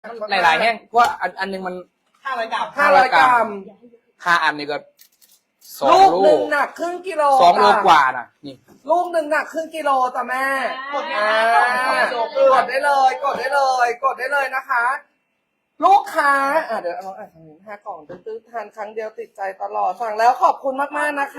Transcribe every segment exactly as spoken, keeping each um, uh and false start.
หลายๆแห้งเพราะว่าอันอันหนึงมันห้าร้อยกรัมห้าร้อยกรัมห้าอันนี่ก็สองลูกลูหนึ่กงหนักครึ่งกิโลสองโลจ้ะกว่าน่ะนี่ลูกหนึ่งหนักครึ่งกิโลจ้ะแม่กดอ่าง่ายๆกดได้เลย กดได้เลย กดได้เลยนะคะ ลูกค้าอ่ะเดี๋ยวเอาอ่ะทางนี้ห้ากล่องตื้อๆทานครั้งเดียวติดใจตลอดสั่งแล้วขอบคุณมากๆนะคะ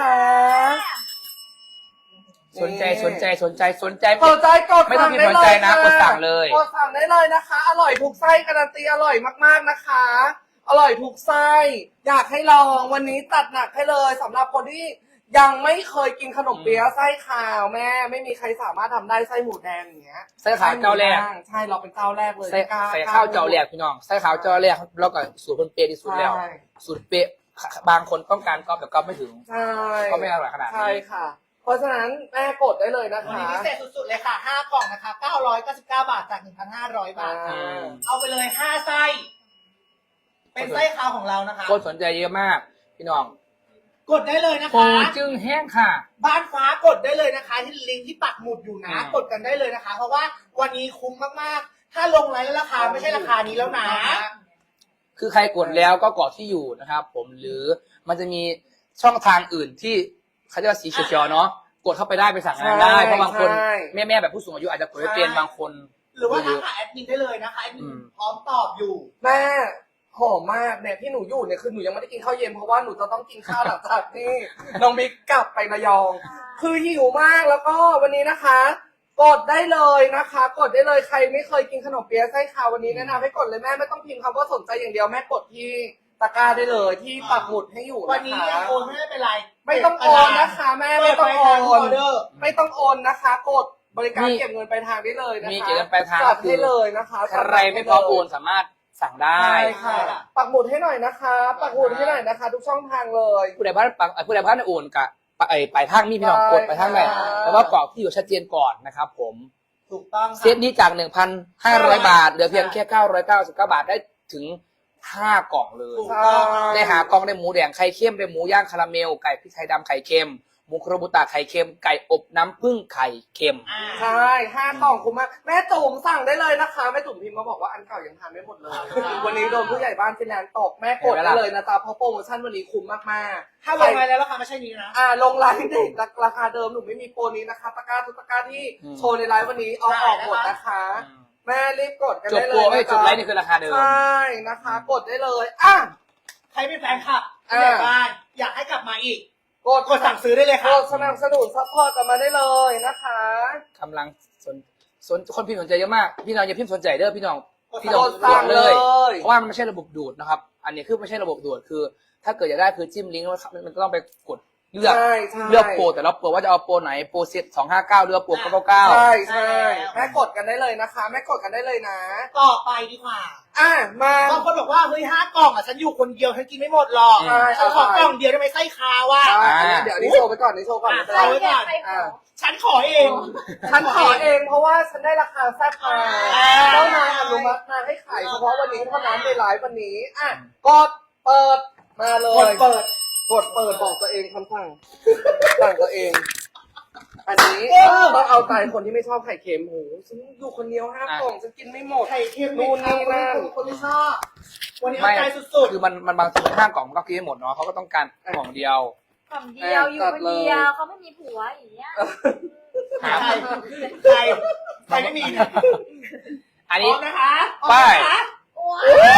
สนใจสนใจสนใจสนใจสนใจกดไม่ต้องสั่พิมพ์สนใจนะได้กดสั่งเลยกดสั่งได้เลยนะคะ อร่อยทุกไส้การันตีอร่อยมากๆนะคะ อร่อยทุกไส้อยากให้ลองวันนี้ตัดหนักให้เลยสำหรับคนที่ยังไม่เคยกินขนมเปี๊ยะไส้ขาวแม่ ไม่มีใครสามารถทำได้ไส้หมูแดงอย่างเงี้ยไส้ขาวเจ้าแรกใช่เราเป็นเจ้าแรกเลยใส่กล้ใส่ข้าวเจ้าแรกพี่น้องใส่ข้าวเจ้าแรกแล้วก็สูตรเพิ่นเป๊ะที่สุดแล้วใช่สูตรเป๊ะบางคนต้องการก๊อปแต่ก๊อปไม่ถึงใช่ก็ไม่อร่อยขนาดนี้ใช่ค่ะ เพราะฉะนั้นแม่กดได้เลยนะวันคะนี้พิเศษสุดๆเลยค่ะห้ากล่องนะคะเก้าร้อยเก้าสิบเก้าบาทจากหนึ่งพันห้าร้อยบาทอ่าเอาไปเลยห้าไส้ เป็นไส้ขาวของเรานะคะคนสนใจเยอะมากพี่น้องกดได้เลยนะโปรคะจึงแห้งค่ะบ้านฟ้ากดได้เลยนะคะ ที่ลิงก์ที่ปักหมุดอยู่นะอืมกดกันได้เลยนะคะ เพราะว่าวันนี้คุ้มมากๆ ถ้าลงไลน์แล้วราคาไม่ใช่ราคานี้แล้วนะคือใครกดแล้วก็กรอกที่อยู่นะครับผมหรือมันจะมีช่องทางอื่นที่เขาเรียกว่าสีเขียวๆเนาะกดเข้าไปได้ไปสั่งงานได้เพราะบางคนใช่แม่ๆแบบผู้สูงอายุอาจจะกดไม่เป็นบางคนหรือว่าทักหาแอดมินได้เลยนะคะแอดมินอืมพร้อมตอบอยู่แม่หอมมากเนี่ยที่หนูอยู่เนี่ยคือหนูยังไม่ได้กินข้าวเย็นเพราะว่าหนูจะต้องกินข้าวหลังจากที่ น้องบิ๊กกลับไประยอง คือหิวมากแล้วก็วันนี้นะคะ กดได้เลยนะคะ กดได้เลยใครไม่เคยกินขนมเปี๊ยะไส้ขาววันนี้แนะนำให้กดเลยแม่ไม่ต้องพิมพ์คำว่าสนใจอย่างเดียวแม่กดที่ตะกร้าได้เลยที่ปักหมุดให้อยู่วันนะนี้คะยังโอนไม่เป็นไรไม่ต้องโอนนะคะแม่ไม่ต้องโอนออเดอร์ไม่ต้องโอนนะคะ กดบริการมีเก็บเงินปลายทางได้เลยนะคะมีเก็บเงินปลายทางจัดให้เลยนะคะใครไม่พร้อมโอนสามารถสั่งได้ใช่ค่ะปักหมุดให้หน่อยนะคะ ปักหมุดให้หน่อยนะคะ ทุกช่องทางเลยผู้ใดพันปังผู้ใดพันโอนกับไอ้ปลายทางนี่พี่น้องกดไปทางไหนใช่แต่ว่ากรอกที่อยู่ชัดเจนก่อนนะครับผมถูกต้องเซตนี้จาก หนึ่งพันห้าร้อย บาทเหลือเพียงแค่เก้าร้อยเก้าสิบเก้าบาทได้ถึงห้ากล่องเลยถูกต้องได้หากล่องได้หมูแดงไข่เค็มได้หมูย่างคาราเมลไก่พริกไทยดำไข่เค็มหมูโครบุตะไข่เค็มไก่อบน้ำผึ้งไข่เค็มอ่าใช่ห้ากล่องคุ้มมากแม่จุ๋มสั่งได้เลยนะคะแม่จุ๋มพิมพ์มาบอกว่าอันเก่ายังทานไม่หมดเลย วันนี้โดนผู้ใหญ่บ้านฟินแลนด์ตกแม่กดได้เลยนะจ๊ะเพราะโปรโมชั่นวันนี้คุ้มมากๆถ้าลงไลน์แล้วราคาไม่ใช่นี้นะอ่าลงไลน์เด็กราคาเดิมหนูไม่มีโปรนี้นะคะตะกร้าทุกตะกร้าที่อืมโชว์ในไลฟ์วันนี้เอาออกหมดนะคะ แม่รีบกดกันจบได้เลโปรยไม่นะจบจ๊ะไลฟ์นี่คือราคาเดิมใช่นะคะ กดได้เลยอ่ะใครเป็นแฟนคลับอ่าผู้ใหญ่บ้านอยากให้กลับมาอีกกดกดสั่งซื้อได้เลยกค่ะดสนับสนุนซัพพอร์ตกันมาได้เลยนะคะกำลังสนสนคนพิมพ์สนใจเยอะมาก พี่น้องอย่าพิมพ์สนใจเด้อพี่น้องกดพี่น้องกดสั่งเลยเพราะว่ามันไม่ใช่ระบบดูดนะครับ อันนี้คือไม่ใช่ระบบดูดคือ ถ้าเกิดอยากได้คือจิ้มลิงก์แล้วมันต้องไปกดเลือกใช่ใช่เลือกโปรแต่ละโปรว่าจะเอาโปรไหนโปรเซ็ตสองห้าเก้าหรือว่าโปรเก้าเก้าเก้าใช่ใช่แม่กดกันได้เลยนะคะ แม่กดกันได้เลยนะต่อไปดีกว่าอ่ะมาบางคนบอกว่าเฮ้ยห้ากล่องอ่ะฉันอยู่คนเดียวฉันกินไม่หมดหรอกใช่ฉันขอกล่องเดียวได้ไหมไส้คาวอ่ะอ่ะอันนี้เดี๋ยวอันนี้โชว์ไปก่อนอันนี้โชว์ก่อนไม่เป็นใครไรไว้ก่อนอ่ะฉันขอเองฉันขอเองเพราะว่าฉันได้ราคาแซ่บมาอ่าเจ้านายอนุมัติมาให้ขายเฉพาะวันนี้เท่านั้นในไลฟ์วันนี้อ่ะกดเปิดมาเลกดยเปิดกดเปิดบอกตัวเองคำสั่งสั่งตัวเอง อันนี้ต้องเอาใจคนที่ไม่ชอบไข่เค็มโหฉันอยู่คนเดียวห้ากล่องฉันกินไม่หมดไข่เค็มนู่นนี่นั่นคนที่ชอบ วันนี้ไม่เอาใจสุดคือมันมันบางทีมันห้ากล่องมันก็กินไม่หมดเนาะเขาก็ต้องการกล่องเดียวกล่องเดียวอยู่คนเดียวเขาไม่มีผัวอย่างเงี้ยๆใครใครใครไม่มีเนี่ยอันพนี้ร้อมนะคะไปพร้อมนะคะโอ้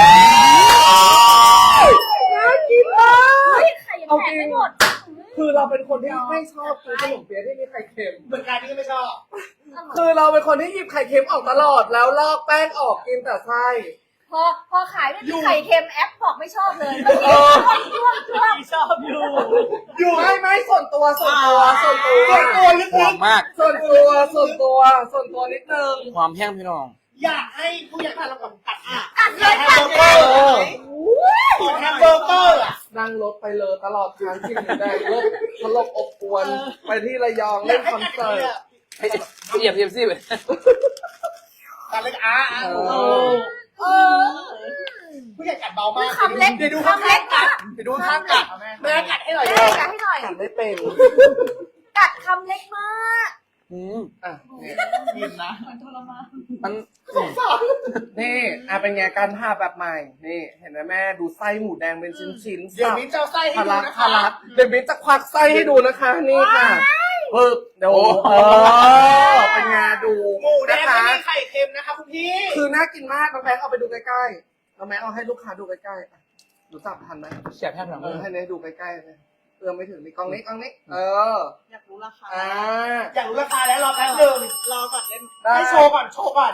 ยน่ากินมากเฮ้ยไข่ยังแตกไม่หมดคือเราเป็นคนที่ไม่ชอบกินขนมเปี๊ยะที่มีไข่เค็มเหมือนกันนี่ก็ไม่ชอบคือเราเป็นคนที่หยิบไข่เค็มออกตลอดแล้วลอกแป้งออกกินแต่ไส้พอพอขายไม่มีไข่เค็มแอปบอกไม่ชอบเลยเมื่อกี้ช่วงช่วงไม่ชอบอยู่ อยู่ไม่ไม่ส่วนตัวส่วนตัวส่วนตัวส่วนตัวลึหอก มมากส่วนตัวส่วนตัวส่วนตัวนิดนึงความแห้งพี่น้องๆอยากให้ผู้ใหญ่บ้านเราก่อนกัดอ่ะกัดเลกัยดแฮกัมดเบอร์เลเกอย ร์กดแฮมเบอร์เกอร์อ่ะนั่งรถไปเลยตลอดทางที่หนูได้รถตลกอบอวนไปที่ระยองอยาเล่กนให้คอนกัดเสิร์ตเฮ้ยเหยียบเหยียบซี่ไปกัดเลยอ่ะอ่ะเอโอ้อเออผู้ใหญ่กัดเบามากคำเล็กเดี๋ยวดูคำเล็กกันะดเดี๋ยวดูข้างกัดแม่กัดให้หน่อยแม่กัดให้หน่อยกัดไม่เป็นกัดคำเล็กมากอืมอ่ะนี่กินนะมันทรมานมันนี่อ่ะเป็นไงการทาแบบใหม่ นี่ เห็นไหมแม่ดูไส้หมูแดงเป็นชิ้นๆเดี๋ยวมิ้นจะเอาไส้ให้ทะดูลักนะทะคะลักเดยวบินจะควักไส้ให้ดูนะคะนี่ค่ะปึ๊บเดี๋ยวโอ้เออเป็นไงดูหมูแดงนะไม่คะมีไข่เค็มนะคะคุณพี่คือน่ากินมากน้องแบงค์เอาไปดูใกล้ๆน้องแบงค์เอาให้ลูกค้าดูใกล้ๆอ่ะดูจับทันไหมเสียบแทบหนังเอเลอย ให้เนยดูใกล้ๆเลยเอื้อมไม่ถึงนี่กล้องนี้กล้องนี้ เอออยากรู้ราคาอ่าอยากรู้ราคาแล้วรอแป๊บนึงรอก่อนเล่นได้ให้โชว์ก่อนโชว์ก่อน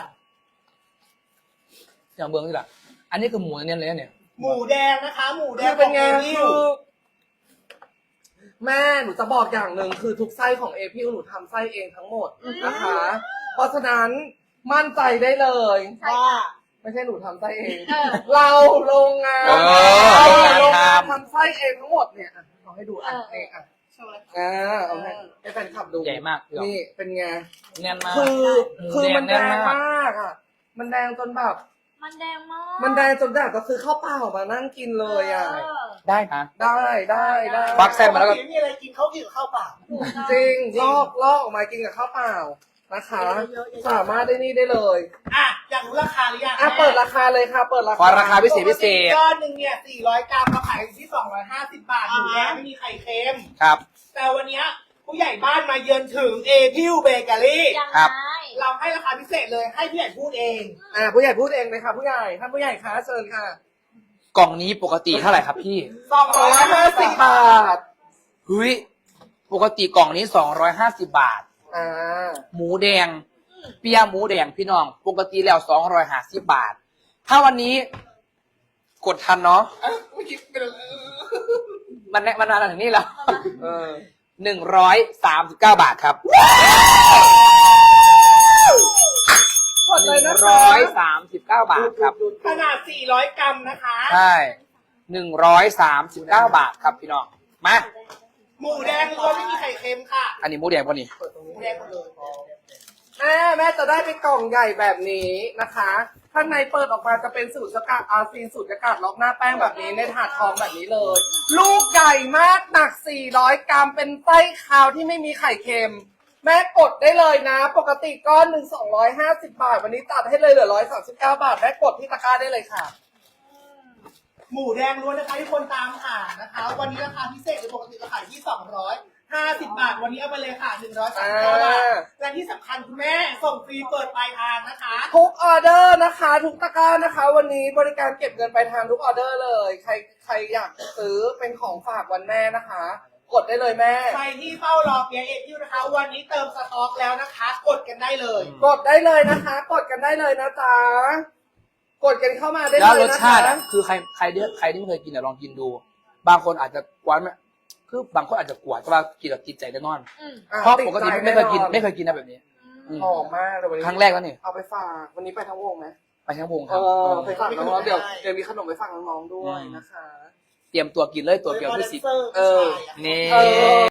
อย่างเบื้องนี่แหละอันนี้คือหมูเนียนเลยนะเนี่ยหมูแดงนะคะ หมูแดคืงอเป็นไงของคืพี่อแม่หนูจะบอกอย่างหนึ่งคือทุกไส้ของเอพิวหนูทำไส้เองทั้งหมดนะคะ เพราะฉะนั้นมั่นใจได้เลยว่าไม่ใช่หนูทำไส้เองเออเราโรงงานเออโรงงานทำทำไส้เองทั้งหมดเนี่ยอ่ะเอาให้ดูอ่ะนี่อ่ะโชว์เลยอ่าเอาให้ให้แฟนคลับดูใหญ่มากพี่หรอนี่เป็นไงเนียนมากคือหมูคือมันแดแดงงแน่นมากมากอ่ะ มันแดงจนแบบมันแดงมากมันแดงจนอยากจะซื้อข้าวเปล่ามานั่งกินเลยอ่ะเออได้นะได้ได้ได้ควักไส้มาแล้วก็ปติมีอะไรกินเขากินกับข้าวเปล่าจริงลอกลอกออกมากินกับข้าวเปล่านะคะ สามารถได้นี่ได้เลยอ่ะอยากรู้ราคาหรือยังอ่ะเปิดราคาเลยค่ะ เปิดราขอคาราคาพิเศษพิเศษก้อนหนึ่งเนี่ยสี่ร้อยกรัมเราขายอยู่ที่สองร้อยห้าสิบบาทหมูแดงไม่มีไข่เค็มครับแต่วันเนี้ยผู้ใหญ่บ้านมาเยือนถึงเอพิวเบเกอรี่ยังครับไงเราให้ราคาพิเศษเลยให้ผู้ใหญ่พูดเองอ่ะผู้ใหญ่พูดเองเลยค่ะผู้ใหญ่ท่านผู้ใหญ่คะเชิญค่ะกล่องนี้ปกติเท่าไหร่ครับพี่สองสร้ออง ยร้อยห้าห้าสิสิบบบาทเฮ้ยปกติกล่องนี้สองร้อยห้าสิบบาทอ่าหมูแดง เปียหมูแดงพี่น้อง ปกติแล้วสองร้อยห้าสิบบาท ถ้าวันนี้ กดทันเนาะเอ้ยไม่คิดเป็นไรมันแน่มันนานถึงนี่แล้วเออหนึ่งร้อยสามสิบเก้าบาทครับกดหเลยนึ่นะงคะร้อยสามสิบเก้าบาทครับขนาดสี่ร้อยกรัมนะคะใช่หนึ่งร้อยสามสิบเก้าบาทครับพี่น้อง มาหมูแดงล้วนไม่มีไข่เค็มค่ะอันนี้หมูแดงป่ะนี่หมูแดงหมดเลยแม่แม่จะได้เป็นกล่องใหญ่แบบนี้นะคะ ข้างในเปิดออกมาจะเป็นสูตรสกัดอาซีนสูตรสกัดล็อกหน้าแป้งแบบนี้ในถาดทองแบบนี้เลย ลูกใหญ่มากหนักสี่ร้อยกรัมเป็นไส้คาวที่ไม่มีไข่เค็ม แม่กดได้เลยนะ ปกติก้อนหนึ่งสองร้อยห้าสิบบาท วันนี้ตัดให้เลยเหลือร้อยสามสิบเก้าบาทแม่กดที่ตะกร้าได้เลยค่ะหมูแดงล้วนนะคะที่คนตามหานะคะ วันนี้ราคาพิเศษเลยปกติเราขายที่สองร้อยห้าสิบบาท วันนี้เอาไปเลยค่ะหนึ่งร้อยสามสิบเก้าบาทอ่าและที่สำคัญคุณแม่ส่งฟรีเปิดปลายทางนะคะทุกออเดอร์นะคะ ทุกตะกร้านะคะ วันนี้บริการเก็บเงินปลายทางทุกออเดอร์เลย ใครใครอยากซื้อเป็นของฝากวันแม่นะคะ กดได้เลยแม่ใครที่เฝ้ารอเปียเอ็ดยูนะคะ วันนี้เติมสต็อกแล้วนะคะ กดกันได้เลยกดได้เลยนะคะ กดกันได้เลยนะจ๊ะกดกันเข้ามาได้แล้วเลรยสนะคะชาติอ่ะคือใครใครที่ใครที่ไม่เคยกินอ่ะลองกินดู บางคนอาจจะกวนไหมคือบางคนอาจจะกวนแต่ว่ากินแล้วติดใจแน่นอนอืมอ่เพราะปกติใจไม่เคยกินแอไม่เคยกินนะแบบนี้ อืมหอมมากเลยวันนี้ครั้งแรกแล้วนี่เอาไปฝากวันนี้ไปทั้งวงไหมไปทั้งวงคเอรับอไปฝากน้องๆเดี๋ยวเดี๋ยวมีขนมไปฝากน้องๆด้วยนะคะเตรียมตัวกินเลยตัวเปรี้ยวที่สิบเซอร์เออผู้ชายะนี่เออ